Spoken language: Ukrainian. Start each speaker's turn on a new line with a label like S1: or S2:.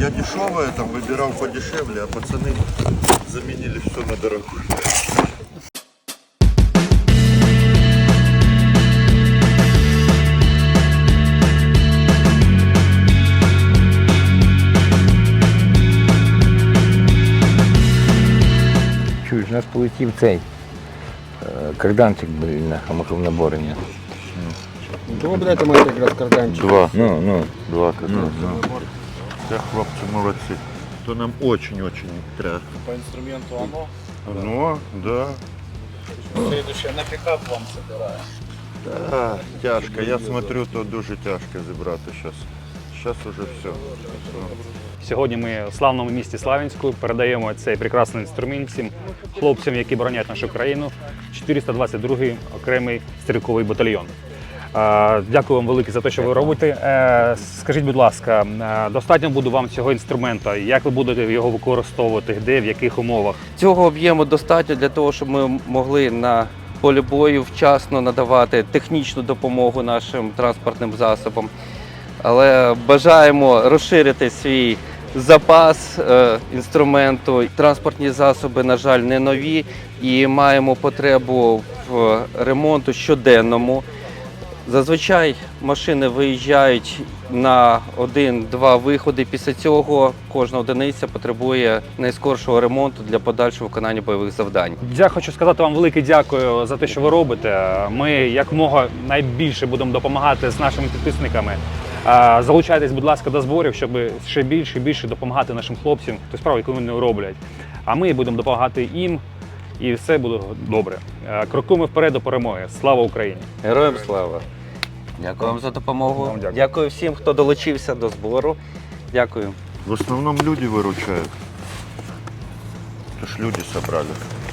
S1: Я дешевое там выбирал подешевле, а пацаны заменили все на дорогое.
S2: Чуєш, у нас полетів цей карданчик, блін, на наборення.
S3: Добре, це має якраз карданчик.
S1: Два.
S2: Ну.
S1: Два карданчика. Все, хлопцы, молодцы. То нам очень-очень треба.
S4: По инструменту оно.
S1: Ну, да.
S4: Следующее на пикап вам собираю.
S1: Да, тяжко. Я смотрю, то дуже тяжко зібрати зараз. Зараз уже все.
S5: Сьогодні ми в славному місті Славянську передаємо цей прекрасний інструмент всім хлопцям, які боронять нашу країну, 422-й окремий стрілковий батальйон. Дякую вам велике за те, що ви робите. Скажіть, будь ласка, достатньо буде вам цього інструмента? Як ви будете його використовувати? Де, в яких умовах?
S6: Цього об'єму достатньо для того, щоб ми могли на полі бою вчасно надавати технічну допомогу нашим транспортним засобам. Але бажаємо розширити свій запас інструменту. Транспортні засоби, на жаль, не нові і маємо потребу в ремонту щоденному. Зазвичай машини виїжджають на 1-2 виходи. Після цього кожна одиниця потребує найскоршого ремонту для подальшого виконання бойових завдань.
S5: Я хочу сказати вам велике дякую за те, що ви робите. Ми якомога найбільше будемо допомагати з нашими підписниками. Залучайтесь, будь ласка, до зборів, щоб ще більше і більше допомагати нашим хлопцям, ту справу, яку вони роблять. А ми будемо допомагати їм, і все буде добре. Крокуємо вперед до перемоги. Слава Україні!
S6: Героям слава! Дякую вам за допомогу.
S5: Вам дякую.
S6: Дякую всім, хто долучився до збору. Дякую.
S1: В основном люди выручают. Это ж люди собрали.